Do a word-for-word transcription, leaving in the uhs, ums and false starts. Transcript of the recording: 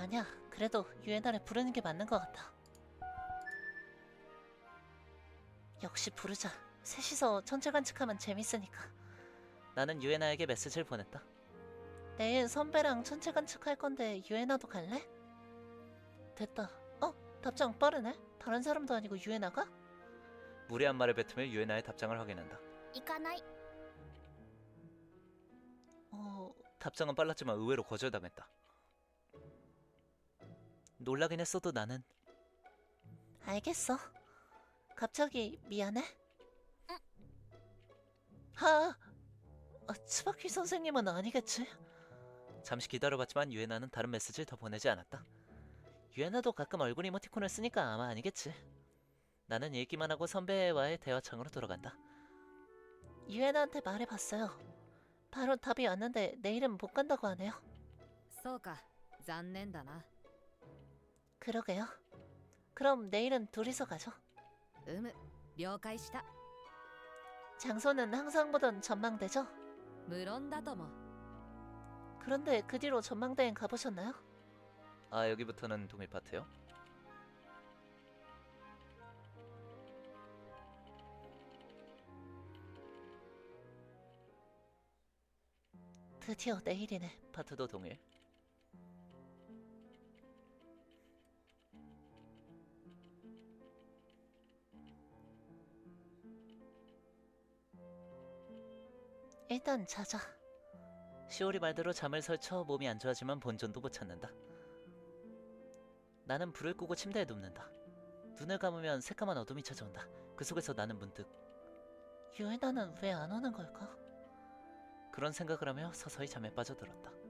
아니야. 그래도 유엔아를 부르는 게 맞는 것 같아. 역시 부르자. 셋이서 천체 관측하면 재밌으니까. 나는 유엔아에게 메시지를 보냈다. 내일 선배랑 천체 관측할 건데 유엔아도 갈래? 됐다. 어? 답장 빠르네? 다른 사람도 아니고 유엔아가? 무례한 말을 뱉으며 유엔아의 답장을 확인한다. 行かない 어... 답장은 빨랐지만 의외로 거절당했다. 놀라긴 했어도 나는 알겠어. 갑자기 미안해? 응. 하... 아, 츠바키 선생님은 아니겠지? 잠시 기다려봤지만 유에나는 다른 메시지를 더 보내지 않았다. 유에나도 가끔 얼굴 이모티콘을 쓰니까 아마 아니겠지. 나는 읽기만 하고 선배와의 대화창으로 들어간다. 유에나한테 말해봤어요. 바로 답이 왔는데 내일은 못 간다고 하네요. そうか残念だな 그러게요. 그럼 내일은 둘이서 가죠. うむ了解した 장소는 항상 보던 전망대죠? 無論だとも 그런데 그 뒤로 전망대엔 가보셨나요? 아, 여기부터는 동일 파트요? 드디어 내일이네. 파트도 동일. 일단 자자. 시오리 말대로 잠을 설쳐 몸이 안 좋아지만 본전도 못 찾는다. 나는 불을 끄고 침대에 눕는다. 눈을 감으면 새까만 어둠이 찾아온다. 그 속에서 나는 문득 유에나는 왜 안 오는 걸까? 그런 생각을 하며 서서히 잠에 빠져들었다.